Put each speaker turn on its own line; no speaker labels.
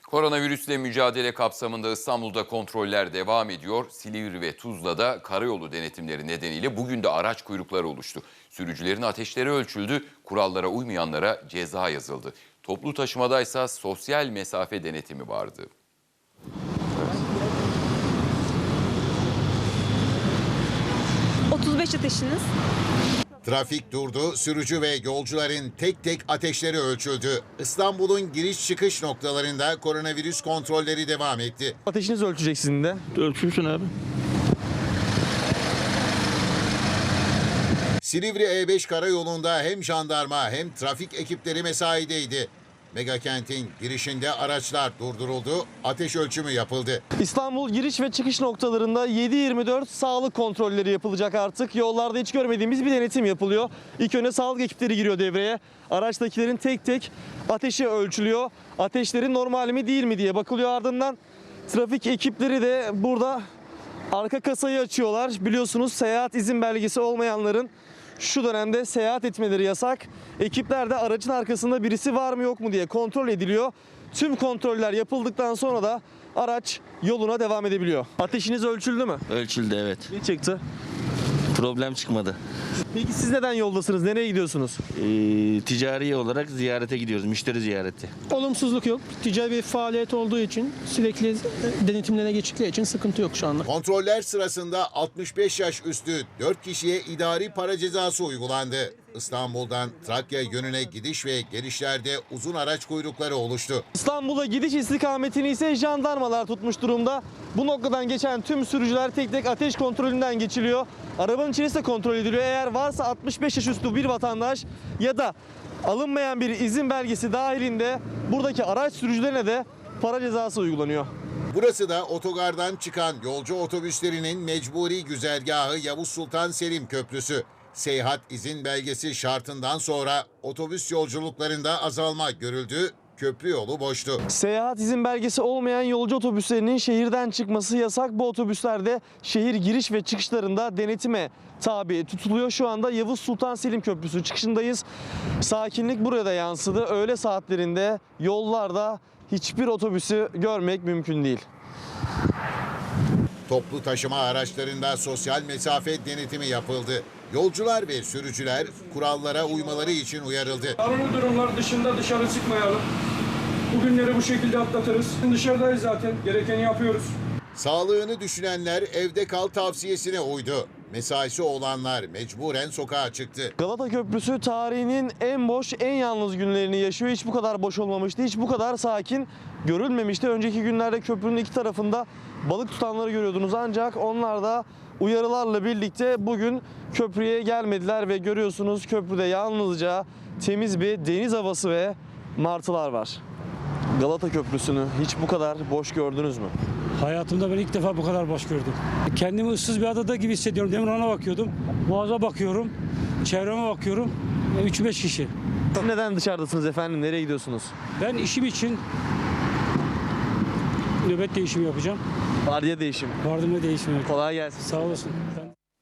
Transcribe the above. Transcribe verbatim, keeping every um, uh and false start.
Koronavirüsle mücadele kapsamında İstanbul'da kontroller devam ediyor. Silivri ve Tuzla'da karayolu denetimleri nedeniyle bugün de araç kuyrukları oluştu. Sürücülerin ateşleri ölçüldü, kurallara uymayanlara ceza yazıldı. Toplu taşımadaysa sosyal mesafe denetimi vardı.
otuz beş ateşiniz.
Trafik durdu, sürücü ve yolcuların tek tek ateşleri ölçüldü. İstanbul'un giriş çıkış noktalarında koronavirüs kontrolleri devam etti.
Ateşinizi ölçecek sizin de.
Ölçülsün abi.
Silivri E beş karayolunda hem jandarma hem trafik ekipleri mesaideydi. Megakentin girişinde araçlar durduruldu, ateş ölçümü yapıldı.
İstanbul giriş ve çıkış noktalarında yedi yirmi dört sağlık kontrolleri yapılacak artık. Yollarda hiç görmediğimiz bir denetim yapılıyor. İlk önce sağlık ekipleri giriyor devreye. Araçtakilerin tek tek ateşi ölçülüyor. Ateşleri normal mi değil mi diye bakılıyor, ardından trafik ekipleri de burada arka kasayı açıyorlar. Biliyorsunuz seyahat izin belgesi olmayanların şu dönemde seyahat etmeleri yasak. Ekipler de aracın arkasında birisi var mı yok mu diye kontrol ediliyor. Tüm kontroller yapıldıktan sonra da araç yoluna devam edebiliyor. Ateşiniz ölçüldü mü?
Ölçüldü, evet.
Ne çıktı?
Problem çıkmadı.
Peki siz neden yoldasınız? Nereye gidiyorsunuz?
Ee, ticari olarak ziyarete gidiyoruz, müşteri ziyareti.
Olumsuzluk yok. Ticari bir faaliyet olduğu için sürekli denetimlerine geçtikleri için sıkıntı yok şu anda.
Kontroller sırasında altmış beş yaş üstü dört kişiye idari para cezası uygulandı. İstanbul'dan Trakya yönüne gidiş ve gelişlerde uzun araç kuyrukları oluştu.
İstanbul'a gidiş istikametini ise jandarmalar tutmuş durumda. Bu noktadan geçen tüm sürücüler tek tek ateş kontrolünden geçiliyor. Arabanın içerisi de kontrol ediliyor. Eğer varsa altmış beş yaş üstü bir vatandaş ya da alınmayan bir izin belgesi dahilinde buradaki araç sürücülerine de para cezası uygulanıyor.
Burası da otogardan çıkan yolcu otobüslerinin mecburi güzergahı Yavuz Sultan Selim Köprüsü. Seyahat izin belgesi şartından sonra otobüs yolculuklarında azalma görüldü. Köprü yolu boştu.
Seyahat izin belgesi olmayan yolcu otobüslerinin şehirden çıkması yasak. Bu otobüslerde şehir giriş ve çıkışlarında denetime tabi tutuluyor. Şu anda Yavuz Sultan Selim Köprüsü çıkışındayız. Sakinlik buraya da yansıdı. Öğle saatlerinde yollarda hiçbir otobüsü görmek mümkün değil.
Toplu taşıma araçlarında sosyal mesafe denetimi yapıldı. Yolcular ve sürücüler kurallara uymaları için uyarıldı.
Arama durumlar dışında dışarı çıkmayalım. Bugünleri bu şekilde atlatırız. Dışarıdayız zaten. Gerekeni yapıyoruz.
Sağlığını düşünenler evde kal tavsiyesine uydu. Mesaisi olanlar mecburen sokağa çıktı.
Galata Köprüsü tarihinin en boş, en yalnız günlerini yaşıyor. Hiç bu kadar boş olmamıştı, hiç bu kadar sakin görülmemişti. Önceki günlerde köprünün iki tarafında balık tutanları görüyordunuz, ancak onlar da uyarılarla birlikte bugün köprüye gelmediler ve görüyorsunuz köprüde yalnızca temiz bir deniz havası ve martılar var. Galata Köprüsü'nü hiç bu kadar boş gördünüz mü?
Hayatımda ben ilk defa bu kadar boş gördüm. Kendimi ıssız bir adada gibi hissediyorum. Demirhan'a bakıyordum, Boğaz'a bakıyorum, çevreme bakıyorum. üç beş kişi.
Neden dışarıdasınız efendim? Nereye gidiyorsunuz?
Ben işim için nöbet değişimi yapacağım.
Vardiya değişimi.
Vardiya değişimi.
Kolay gelsin.
Sağ olasın.